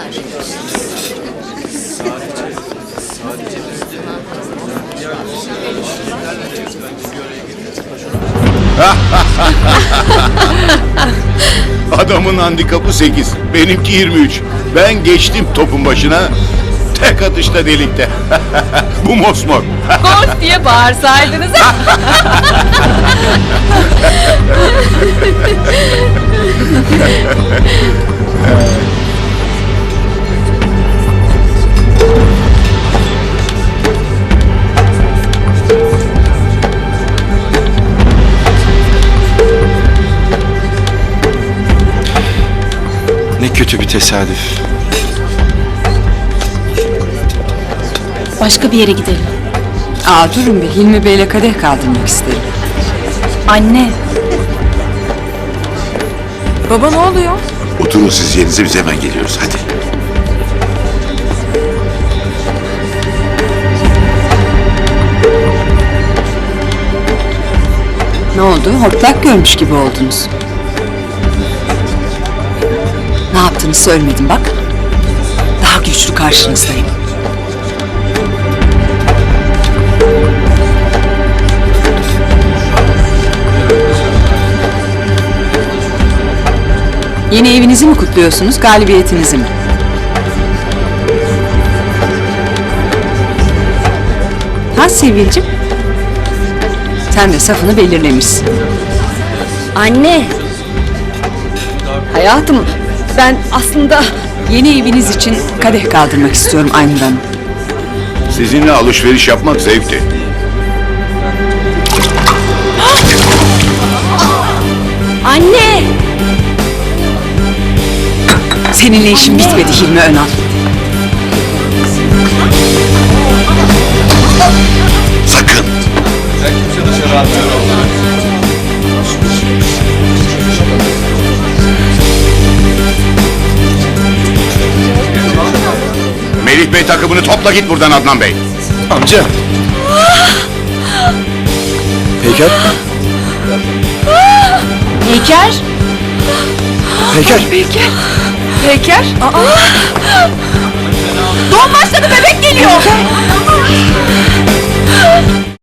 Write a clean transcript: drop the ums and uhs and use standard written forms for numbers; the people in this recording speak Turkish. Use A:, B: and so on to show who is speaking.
A: Adamın handikapı 8, benimki 23. Ben geçtim topun başına, tek atışta delikte. Bu mosmor.
B: Gol diye bağırsaydınız.
C: Ne kötü bir tesadüf.
B: Başka bir yere gidelim.
D: Durun bir, Hilmi Bey'le kadeh kaldırmak isterim.
B: Anne.
D: Baba ne oluyor?
E: Oturun siz yerinize, biz hemen geliyoruz hadi.
D: Ne oldu? Hortlak görmüş gibi oldunuz. Ne yaptığını söylemedim bak. Daha güçlü karşınızdayım. Yeni evinizi mi kutluyorsunuz, galibiyetinizi mi? Ha Sevilcim? Sen de safını belirlemişsin.
B: Anne.
D: Hayatım, ben aslında yeni eviniz için kadeh kaldırmak istiyorum Aynur Hanım.
A: Sizinle alışveriş yapmak zevkti.
B: Anne.
D: Seninle işim bitmedi Hilmi Önal.
E: Sakın!
A: Melih Bey takımını topla git buradan Adnan Bey.
C: Amca. Peyker.
B: Peker.
C: Peyker.
B: Peker. Doğum başladı, bebek geliyor.